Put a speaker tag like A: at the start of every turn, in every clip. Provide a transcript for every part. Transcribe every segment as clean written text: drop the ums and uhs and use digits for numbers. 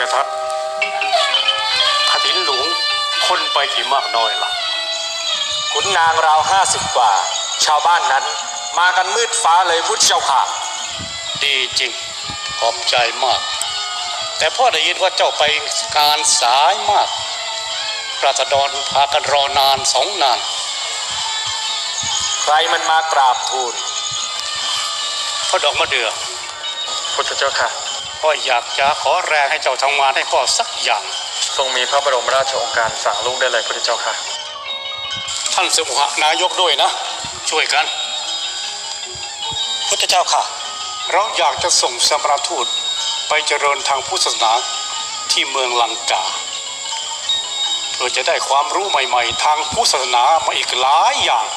A: ทัศน์ขถินหลวงคนไปกี่มากน้อยล่ะ
B: ขุนนางราว50กว่าชาวบ้านนั้นมากันมืดฟ้าเลยพุทธเจ้าค่ะ
A: ดีจริงขอบใจมากแต่พ่อได้ยินว่าเจ้าไปการสายมากราษฎรพากันรอนาน2 นาน
B: ใครมันมากราบทูล
A: พ่อดอกมะเดื่อ
C: พุทธเจ้าค่ะ
A: พ่ออยากจะขอแรงให้เจ้าทำงานให้พ่อสักอย่าง
C: ทรงมีพระบรมราชโองการสั่งลูกได้เลยพุทธเจ้าค่ะ
A: ท่านสมุหนายกด้วยนะช่วยกัน
B: พุทธเจ้าค่ะ
A: เราอยากจะส่งสมรทูตไปเจริญทางพุทธศาสนาที่เมืองลังกาเพื่อจะได้ความรู้ใหม่ๆทางพุทธศาสนามาอีกหลายอย่าง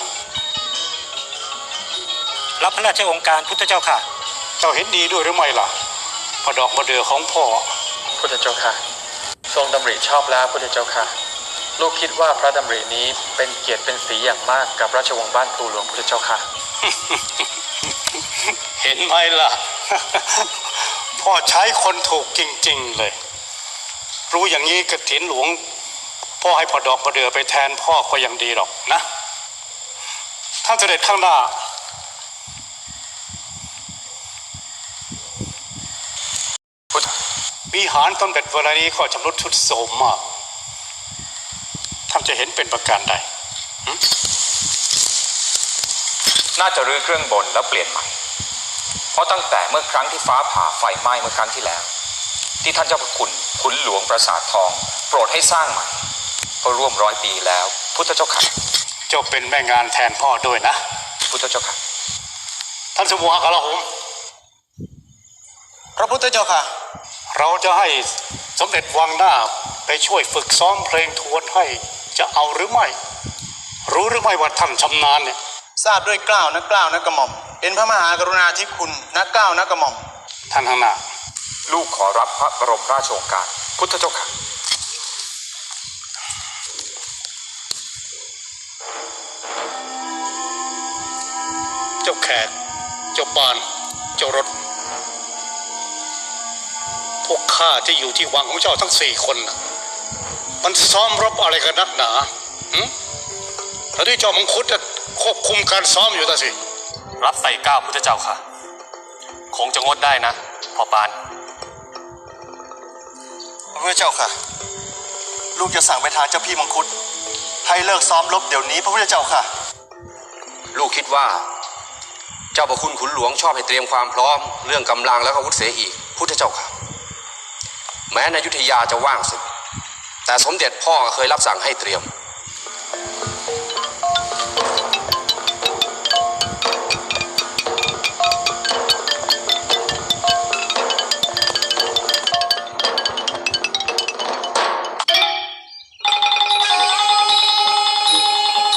B: รับพระราชโองการพุทธเจ้าค่ะ
A: เจ้าเห็นดีด้วยหรือไม่ล่ะพระดอกมะเดื่อของพ่อ
C: พุทธเจ้าค่ะทรงดำริชอบแล้วพุทธเจ้าค่ะลูกคิดว่าพระดำรินี้เป็นเกียรติเป็นศรีอย่างมากกับราชวงศ์บ้านพลูหลวงพุทธเจ้าค่ะ
A: เห็นไหมล่ะ พ่อใช้คนถูกจริงๆเลยรู้อย่างนี้กฐินหลวงพ่อให้พระดอกมะเดื่อไปแทนพ่อก็ยังดีหรอกนะท่านเสด็จข้างหน้าวิหารต้นเบ็ดเวลานี้ก็ชำรุดทรุดโทรมมากท่านจะเห็นเป็นประการใด
D: น่าจะรื้อเครื่องบนแล้วเปลี่ยนใหม่เพราะตั้งแต่เมื่อครั้งที่ฟ้าผ่าไฟไหม้เมื่อครั้งที่แล้วที่ท่านเจ้าพระคุณขุนหลวงปราสาททองโปรดให้สร้างใหม่ก็ร่วม100 ปีแล้วพุทธเจ้าค่ะ
A: เจ้าเป็นแม่งานแทนพ่อด้วยนะ
D: พุทธเจ้าค่ะ
A: ท่านสมุหกลาโหม
B: พระพุทธเจ้าค่ะ
A: เราจะให้สมเด็จวังหน้าไปช่วยฝึกซ้อมเพลงทวนให้จะเอาหรือไม่รู้หรือไม่ว่าท่านชำนาญเนี่ย
B: ทราบด้วยเกล้านะเกล้านะกระหม่อมเป็นพระมหากรุณาธิคุณนะเกล้านะกระหม่อม
A: ท่านข้างหน้า
D: ลูกขอรับพระบรมราชโองการพุทธเจ้าค่ะ
A: เจ้าแขกเจ้าปานเจ้ารถพวกข้าที่อยู่ที่วังของเจ้าทั้ง4 คนนะมันซ้อมรบอะไรกันนักหนาแล้วที่เจ้ามังคุดจะควบคุมการซ้อมอยู่ต่สิ
E: รับใส่ก้าวพุทธเจ้าค่ะคงจะงดได้นะพ่อปาน
B: พระพุทธเจ้าค่ะลูกจะสั่งไปทางเจ้าพี่มังคุดให้เลิกซ้อมรบเดี๋ยวนี้พระพุทธเจ้าค่ะ
F: ลูกคิดว่าเจ้าพระคุณขุนหลวงชอบให้เตรียมความพร้อมเรื่องกำลังและอาวุธเสียอีกพุทธเจ้าค่ะแม้ในอยุธยาจะว่างศึกแต่สมเด็จพ่อก็เคยรับสั่งให้เตรียม